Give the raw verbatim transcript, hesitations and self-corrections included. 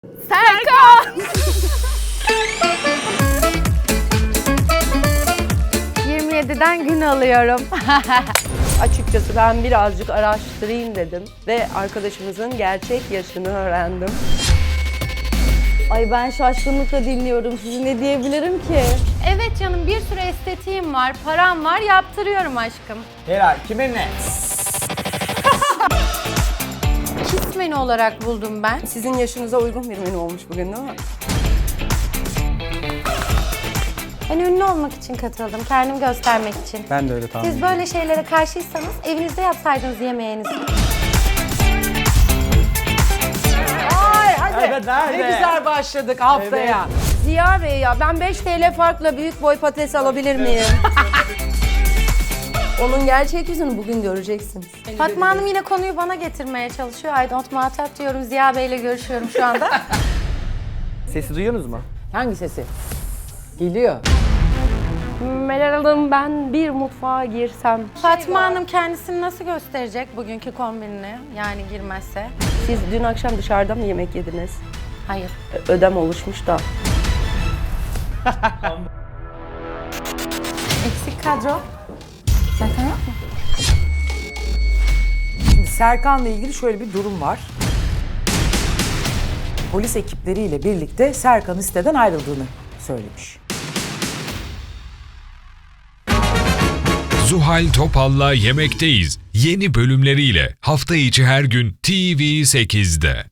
Serkan! yirmi yediden gün alıyorum. Açıkçası ben birazcık araştırayım dedim ve arkadaşımızın gerçek yaşını öğrendim. Ay ben şaşkınlıkla dinliyorum. Sizi ne diyebilirim ki? Evet canım, bir sürü estetiğim var, param var, yaptırıyorum aşkım. Helal. Kimin ne? Kiss menü olarak buldum ben. Sizin yaşınıza uygun bir menü olmuş bugün değil mi? Ben ünlü olmak için katıldım, kendimi göstermek için. Ben de öyle tahmin Siz böyle şeylere karşıysanız evinizde yapsaydınız yemeğinizi. Ay hadi. Evet, nerede? Ne güzel başladık haftaya. Ziya Bey ya ben beş TL farkla büyük boy patates alabilir miyim? Onun gerçek yüzünü bugün göreceksiniz. Fatma Hanım yine konuyu bana getirmeye çalışıyor. I don't muhatap diyorum, Ziya Bey'le görüşüyorum şu anda. Sesi duyuyorsunuz mu? Hangi sesi? Geliyor. Meral Hanım ben bir mutfağa girsem. Fatma Hanım kendisini nasıl gösterecek bugünkü kombinini? Yani girmezse. Siz dün akşam dışarıda mı yemek yediniz? Hayır. Ö- Ödem oluşmuş da. Eksik kadro. Serkan yok mu? Şimdi Serkan'la ilgili şöyle bir durum var. Polis ekipleriyle birlikte Serkan'ın siteden ayrıldığını söylemiş. Zuhal Topal'la Yemekteyiz yeni bölümleriyle hafta içi her gün T V sekizde.